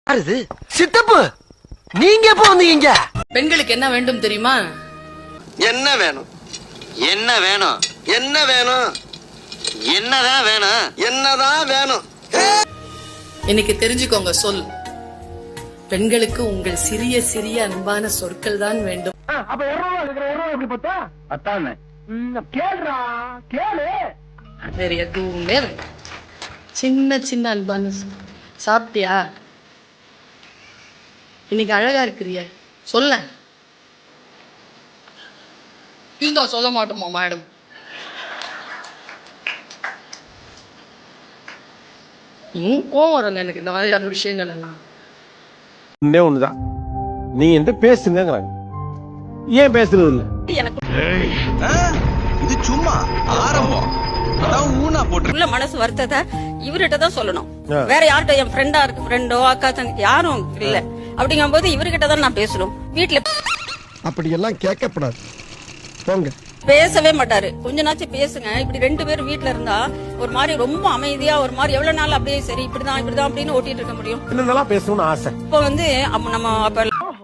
அது சித்தப்பு நீங்க எப்ப வந்தீங்க? பெண்களுக்கு என்ன வேண்டும் தெரியுமா? என்ன வேணும்? என்ன வேணும்? என்ன வேணும்? என்னதான் வேணும்? என்னதான் வேணும்? இன்னைக்கு தெரிஞ்சுக்கோங்க சொல். பெண்களுக்கு உங்கள் சிறிய சிறிய அன்பான சொற்கள் தான் வேண்டும். அப்ப 200 இருக்கிற 200 எப்படி பார்த்தா அத்தானே கேளுடா கேளு. வேற எதுவுமே வேண்டாம். சின்ன சின்ன அன்பான சாப்பிட்டியா? இன்னைக்கு அழகா இருக்கிறிய சொல்ல. இந்த சொல்ல மாட்டோமா மேடம்? கோவம் வருங்க எனக்கு இந்த மாதிரியான விஷயங்கள் எல்லாம். ஒண்ணே ஒண்ணுதான், நீ என்கிட்ட பேசுங்கிறாங்க, ஏன் பேசுறது இல்ல? இது சும்மா ஆரம்பம். அதான் ஊனா போட்டு உள்ள மனசு வருத்தத்தை இவர்கிட்ட தான் சொல்லணும். வேற யார்கிட்ட, என் ஃப்ரெண்டோ அக்கா தங்கச்சி யாரும் இல்ல அப்படிங்கும் போது இவர்கிட்ட தான் நான் பேசணும். வீட்டுல அப்படி எல்லாம் கேட்கப்படாது, போங்க. பேசவே மாட்டாரு. கொஞ்ச நாச்சும் பேசுங்க. இப்படி 2 பேரும் வீட்டுல இருந்தா ஒரு மாதிரி ரொம்ப அமைதியா ஒரு மாதிரி எவ்வளவு நாள் அப்படியே சரி இப்படிதான் அப்படின்னு ஓட்டிட்டு இருக்க முடியும். என்னென்னலாம் பேசணும்னு ஆசை. இப்ப வந்து நம்ம அப்ப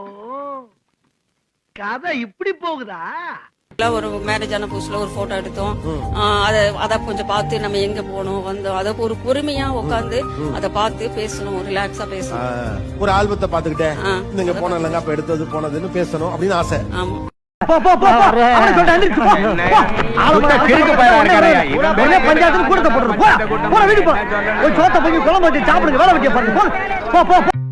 கதை இப்படி போகுதா? ஒரு மேரேஜ் ஆன புதுசுல ஒரு போட்டோ எடுத்தோம். அத கொஞ்சம் பார்த்து நம்ம எங்க போனோம் வந்தோம், அத ஒரு பொறுமையா உட்காந்து அத பார்த்து பேசணும், ரிலாக்ஸா பேசணும். ஒரு ஆல்பத்தை பாத்துக்கிட்டே நீங்க போன இல்லங்க அப்ப எடுத்தது போனதுன்னு பேசணும் அப்படின்னு ஆசை. ஆமா. பஞ்சாயத்து கூட போடுறோம். வீடு போ, சோத்த போய் குழம்பு வச்சு சாப்பிடுங்க, வேலை வெட்டிய பாருங்க.